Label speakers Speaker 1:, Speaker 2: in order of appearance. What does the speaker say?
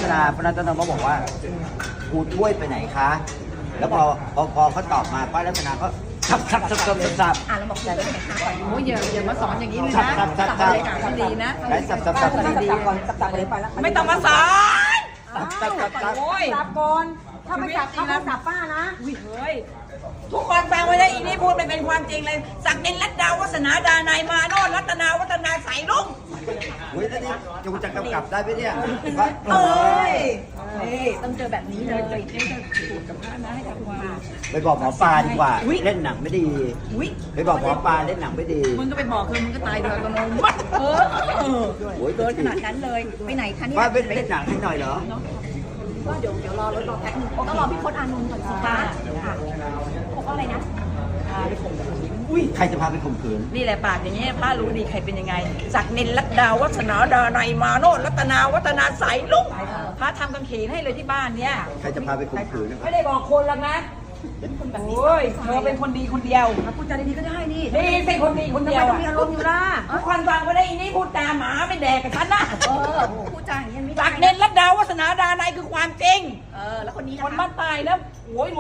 Speaker 1: นาป้ารัตนาก็บอกว่าครูถ้วยไปไหนคะแล้วพอเขาตอบมาป้ารัตนาก็สับ
Speaker 2: เราบอกใจไม่ไหนค่ะก่อนโอ้ยอย่ามาสอนอย่างนี้เลยนะสับเลยค่ะไม่ดีนะ
Speaker 1: ได้สับ
Speaker 3: ก่อนสับเลยไปแล้ว
Speaker 2: ไม่ต้องมาสอน โอ้ย
Speaker 3: สับก่อนถ้าไม่สับเขาไม่สับป้านะ
Speaker 2: เฮ้ยทุกคนฟังไว้ได้อีนี่พูดไม่เป็นความจริงเลยศักดินรัตดาวัฒนาดานายมาโนรัตนาวัฒนาใสลุง
Speaker 1: เฮ้ยแล้วนี่จูจะกำกับได้ไหมเนี่ย
Speaker 2: เอ้ยต้องเจอแบบนี้เลยถูกกับพระนะให้ทำความ
Speaker 1: ไปบอกหมอปลาดีกว่าเล่นหนังไม่ดี
Speaker 2: อุ้ย
Speaker 1: ไปบอกหมอปลาเล่นหนังไม่ดี
Speaker 2: มึงก็ไปบอกคือมึงก็ตายโดยอัตโนมัติเกินขนาดนั้นเลยไปไหนคะเนี่ย
Speaker 1: ป้าไปเล่นหนังให้หน่อยเหรอ
Speaker 2: ก็เดี๋ยวรอรถรอแป๊บนึงต้องรอพี่พจน์อานนท์ก่อนสิคะค่ะบอกว่าอะไรนะ
Speaker 1: อุ้ยใครจะพาไปข่มขืน
Speaker 2: นี่แหละปากอย่างนี้พระรู้ดีใครเป็นยังไงศักดินรัตดาวัฒนาดานายมาโนรัตนาวัฒนาใสลุงพระทำกางเขนให้เลยที่บ้านเนี่ย
Speaker 1: ใครจะพาไปข่มขืนนะครับ
Speaker 2: ไม่ได้บอกคนหรอกนะโอ้ยเธอเป็นคนดีคนเดียวพูดจาดีๆก็ได้นี่ดีสิคนดีคนเดียว
Speaker 3: มีอารมณ์อยู่ล่ะ
Speaker 2: ทุกคนฟังไว้ได้อีนี่พูดจาหมาไม่แดกกับฉันนะ
Speaker 3: พูดจาอย่างนี้ไม่ได้
Speaker 2: ศักดินรัตดาวัฒนาดานายคือความจริง
Speaker 3: แล้วคนนี้
Speaker 2: คนบ้านตายแล้วโอ้ย